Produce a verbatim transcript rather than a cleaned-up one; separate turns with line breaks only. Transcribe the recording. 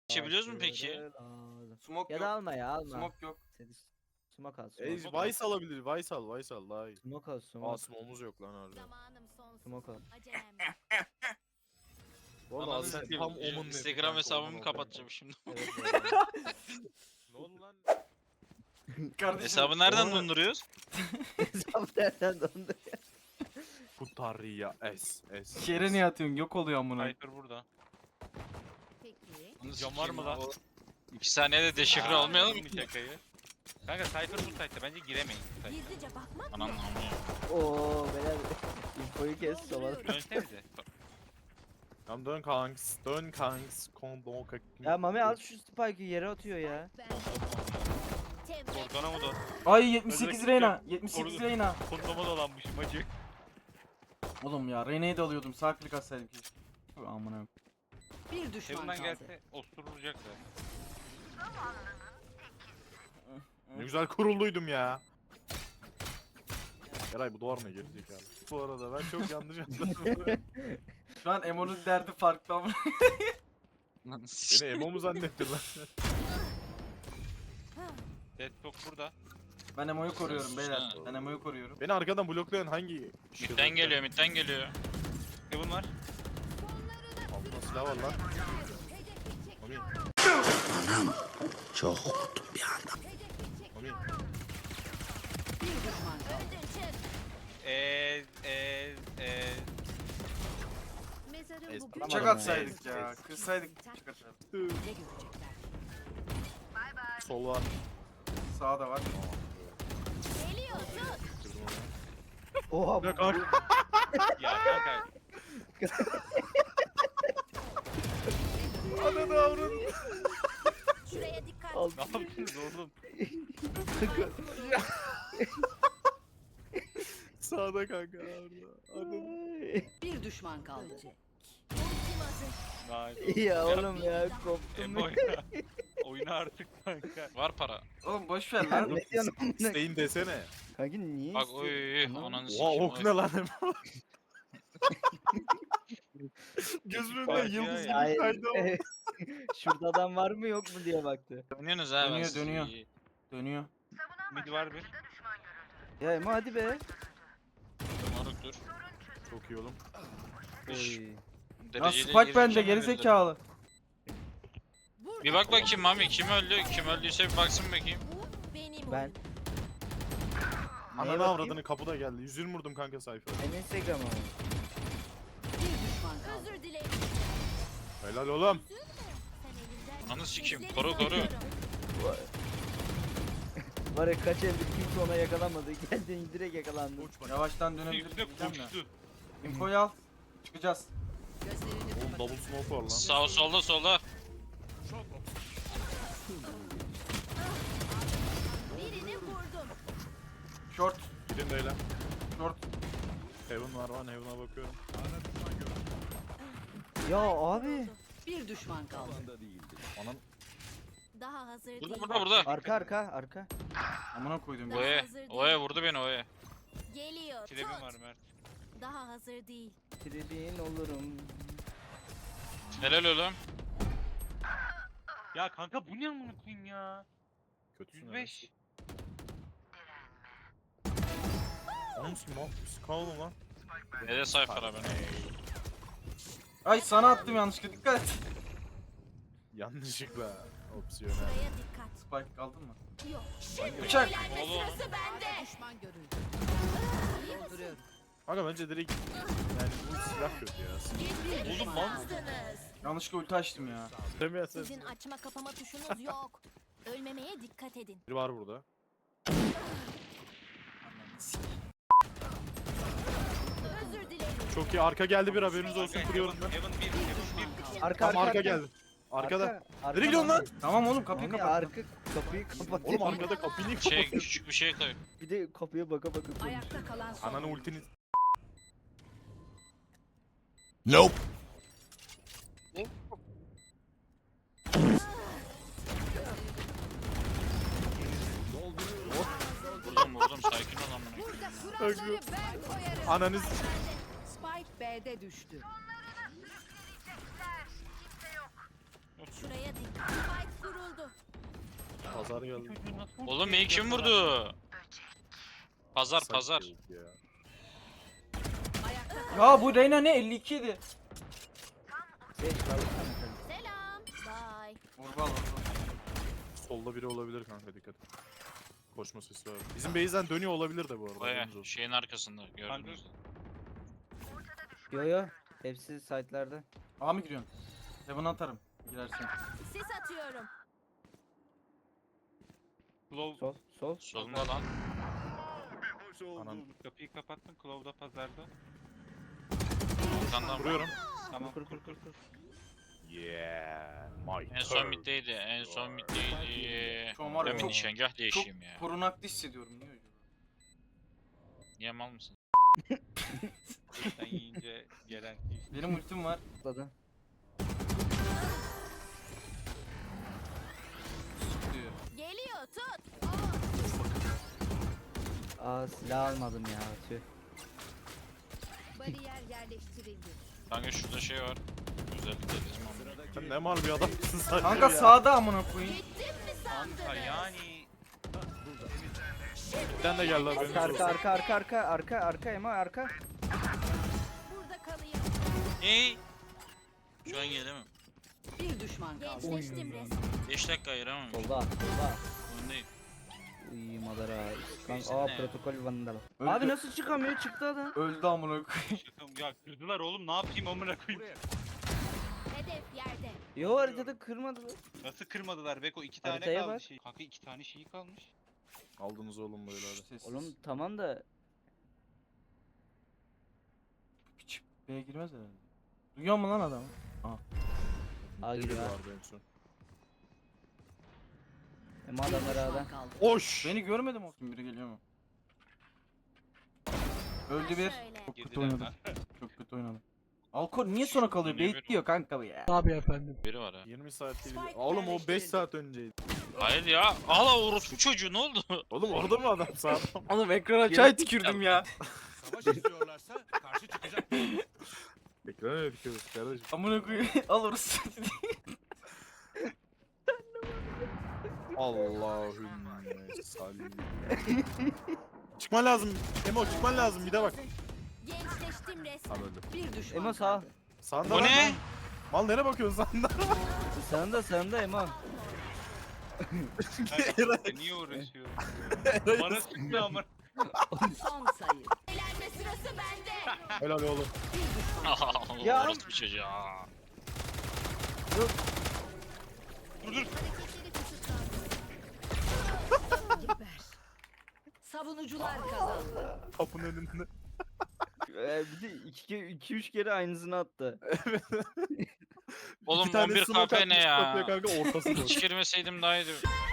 Geçebiliyoruz mu peki?
Smoke
Ya
yok.
da alma ya alma.
Smoke yok.
Seni smoke al
Ey,
smoke.
Vice alabilir. Vice al. Vice al daha iyi.
Smoke al
Aa
smoke.
smoke'umuz yok lan harbi.
Zamanım sonsuz.
Smoke al.
Acelem.
Bu arada
Ananı
sen
satayım.
tam omun
Instagram hesabımı kapatacağım şimdi.
Evet, evet.
Ne oldu lan?
Kardeşim.
Hesabı nereden
Oğlum-
donduruyoruz?
Hesap nereden dondu?
Putarya S S.
Yere niye atıyorsun? Yok oluyor amına.
Cypher burada.
Peki.
Cam var mı lan? İki saniyede deşifre
Aa,
olmayalım mı?
anladım bir şakayı. Kanka Cypher bu site'de bence giremeyin. bu site'e.
Gizlice bakmak
Anam
yok.
anam.
Oo beyler. Infoyu kes sola.
Dönsenize.
Tamam dön kanks. Dön kanks. Kondon kak.
Ya Mami al şu spike'ı yere atıyor ya.
Ben Tebrik.
Kordona mı da?
Ay yetmiş sekiz
Özellikle
Reyna. yetmiş sekiz
korudu.
Reyna.
Kondoma dolanmışım hacı.
Oğlum ya Reyna'yı da alıyordum. Sağ klik atsaydım keşke. Tüh, amına yok.
Bir düşman
Heaven'dan
kaldı.
gelse osturulacak da.
Ne güzel kurulduydum ya. Eray bu duvar ne gerizekalı? Bu arada ben çok yanlış anladım.
Şu an Emo'nun derdi farklı ama.
Beni emo mu zannettin lan?
Deadlock burada.
Ben Emo'yu koruyorum beyler.
Sus
Ben Emo'yu koruyorum.
Beni arkadan bloklayan hangi?
Midden geliyor midden geliyor.
Heaven var.
Altında silah var lan. Mami. Mami.
Bir düşman kaldı.
Öldün çık.
Eee eee eee.
Mezarım
Es-
bugün.
Tamam.
Bıçak
ya.
atsaydık ya. Kırsaydık bıçak atardık.
Ne görecekler?
Sol var.
Sağda var.
Geliyor tut.
Kırdım onu.
Oha
Ne kanka?
Ya kanka.
Ananı avradını.
Şuraya dikkat.
Al.
Ne yapıyorsunuz oğlum?
Sağda kanka orada. Ananı.
Bir düşman kaldı.
Ultim hazır.
Nice.
ya oğlum ya koptum.
Embo oyna. Oyna artık kanka.
Var para.
Oğlum boş ver
Ya
lan.
ne diyorsun amına?
İsteyin desene.
Kanka niye
Bak
istiyorsun?
oy
Anlamadım.
ananı
Oha
sikeyim.
ok ne lan? Gözümün önünde
Bak
yıldız
ya.
gibi kaydı ama.
Hayır. Şurada adam var mı yok mu diye baktı.
Dönüyorsunuz ha ben
Dönüyor,
sizi-
dönüyor. Dönüyor.
Mid var bir.
Ya Emo hadi be.
Moruk dur.
Çok iyi oğlum.
Üş.
Oy.
Ya
Dereceli
Spike bende
gireceğim
geri
herhalde.
zekalı.
Bir bak bakayım Mami kim öldü? Kim öldüyse bir baksın bakayım.
Bu benim
Ben.
oyunum.
Neye
Ananı
bakayım?
avradını kapıda geldi. yüz yirmi vurdum kanka sayfa.
Benim Instagram'a mı?
Bir düşman kaldı.
Özür dilerim.
Helal oğlum.
Sen elinden
Ananı sikeyim.
izleri
Koru koru.
sanıyorum.
Var ya kaç eldir kimse ona yakalanmadı. Geldin direkt yakalandı.
Yavaştan dönebilir
Üstüne
diyeceğim de.
koştu.
Infoyu al. Çıkacağız.
Gözlerini
Oğlum double smoke var lan.
Sağ solda solda.
Birini vurdum.
Short.
Gidin de öyle.
Short.
Heaven var lan Heaven'a bakıyorum.
Ya abi.
bir düşman kaldı.
Anam
Daha hazır değil.
Burada burada burada.
Arka arka arka.
Amına koydum.
Daha
Oye.
hazır değil.
Oye vurdu beni oye.
Geliyor.
Kilebim
Tut.
var Mert.
Daha hazır değil.
Tribin olurum.
Helal oğlum.
Ya kanka bu ne amına koyayım ya?
kötüsün
yüz beş.
Onun musun lan? Sıkan oğlum lan.
Ne de sayfara ben.
Ay sana attım yanlışlıkla dikkat et.
Yanlışlıkla. Opsiyonel.
Şuraya dikkat.
Spike aldın mı?
Yok. Şimdi
Bıçak.
eğlenme
Oğlum.
sırası bende.
Düşman görüldü.
İyi misin?
Dolduruyorum.
Kanka bence direkt yani bu silah kötü ya.
Gitti.
Oğlum mal.
Yazdınız.
Yanlışlıkla ulti açtım ya.
Demeyesen.
Sizin açma kapama tuşunuz yok. Ölmemeye dikkat edin.
Biri var burada.
Özür dilerim.
Çok iyi arka geldi bir haberiniz olsun kuruyorum ben.
Heaven bir, Heaven bir.
Arka
Tam
arka
arka geldi. Arkada.
Arka,
Nereye gidiyorsun lan?
Tamam oğlum kapıyı
Mami
kapat.
arka kapıyı kapat.
Oğlum arkada kapıyı niye
Şey
kapatıyorsun?
küçük bir şey koy.
Bir de kapıya baka baka konuş.
Ayakta kalan son.
Ananı ultini.
Vurdum vurdum sakin ol amına.
Burada kuralları ben koyarım.
Ananız.
Spike B'de düştü.
Şuraya dikkat.
Pazar geldi.
Oğlum beni kim vurdu? Pazar
Sak
pazar.
yok ya.
Ayakta
Ya bu Reyna ne elli iki ydi.
Seç kalsana.
Selam. Bye.
Vurba al.
Solda biri olabilir kanka, dikkat. Koşma sesi var. Bizim base'den dönüyor olabilir de bu arada.
Baya
haberiniz olsun.
şeyin arkasında gördünüz. mü?
Yo yo. Hepsi site'larda.
A mı giriyorsun? Heaven'a atarım. Girersin.
Sis atıyorum.
Claw
Sol. Sol.
Solunda lan.
Anan.
kapıyı kapattın. Claw da pazarda.
Arkandan
Vuruyorum.
Tamam
Kur
kur
kur kur kur.
Yeah. My
En son
turn.
middeydi. En son middeydi.
Şu an var ya
Ben bir
çok,
nişangah
çok
değişeyim ya.
korunaklı hissediyorum. Niye öyle?
Niye mal mısın?
Sen yiyince gelen iş.
Benim ultim var.
Atladı.
Diyor.
Geliyor tut.
Aa silah almadım ya. Tüh.
Bariyer yerleştirildi.
Kanka şurada şey var. Özellikle bizim amına.
Sen ne mal bir adamsın sen
Kanka
ya.
sağda amına koyayım.
Gittim mi
Kanka
sandınız?
yani.
Bizden de geldi haberiniz
Arka
olsun.
arka arka arka arka arka arka Emo arka.
Burada kalayım.
Ey! Şu an gelemem.
bir düşman kaldı.
Gençleştim resmen.
beş dakika ayıramam.
Solda. Solda.
Öndeyim.
Uy madara.
Neyse,
Kanka aa
ne ya?
protokol vandal.
Öldü.
Abi nasıl çıkamıyor? Çıktı adam.
Öldü amına koyayım.
Şakam ya kırdılar oğlum ne yapayım amına koyayım.
Hedef yerde.
Yo haritada kırmadılar.
Nasıl kırmadılar Beko iki tane
Haritaya
kaldı
bak.
şey. Kanka iki tane şeyi kalmış.
Aldınız oğlum böyle hadi.
Sessiz.
Oğlum tamam da
Piç B'ye girmez herhalde. Duyuyor mu lan adamı?
A
Biri
giriyor.
vardı en son.
Emo adamlar A'da.
Düşman kaldı.
Oş!
Beni görmedim o. Biri geliyor mu? Öldü bir.
Şöyle.
Çok kötü
Girdiler
oynadı.
lan.
Çok kötü oynadı. Alkor niye sonra kalıyor?
Niye
Bekliyor kanka bu ya.
Biri var ha.
yirmi saat değil.
Spike
Oğlum o beş
yerleştirildi.
saat önceydi.
Hayır ya. Hala orospu çocuğu ne oldu?
Oğlum orada mı adam sağ?
Oğlum ekrana çay tükürdüm ya.
Savaş istiyorlarsa karşı çıkacak.
Ekrana ne dikiyoruz kardeşim?
Amına koyayım. Alırız.
Allahümme salli. Çıkman lazım. Emo çıkman lazım. Bir de bak.
Gençleştim resmen.
Tamam öldü.
Bir düşman
Emo sağ.
kaldı.
Sağında
Bu
lan
ne?
lan. Mal nereye bakıyorsun sağında?
Sağında sağında Emo.
Kanka, niye uğraşıyorum? Bana sıktı ama.
Son sayı.
Eğlenme sırası bende.
Helal oğlum.
Bir düşman.
Ya.
Orospu çocuğu.
Dur dur.
Hareketleri kısıtlandı.
Geber. Savunucular kazandı.
Kapının önünde.
Ee, bir de iki, ke- iki üç kere aynısını attı.
Oğlum
İki tane
on bir
smoke
K P ne
atmış
ya?
kapıya kanka ortası
Hiç
boş.
girmeseydim daha iyiydi.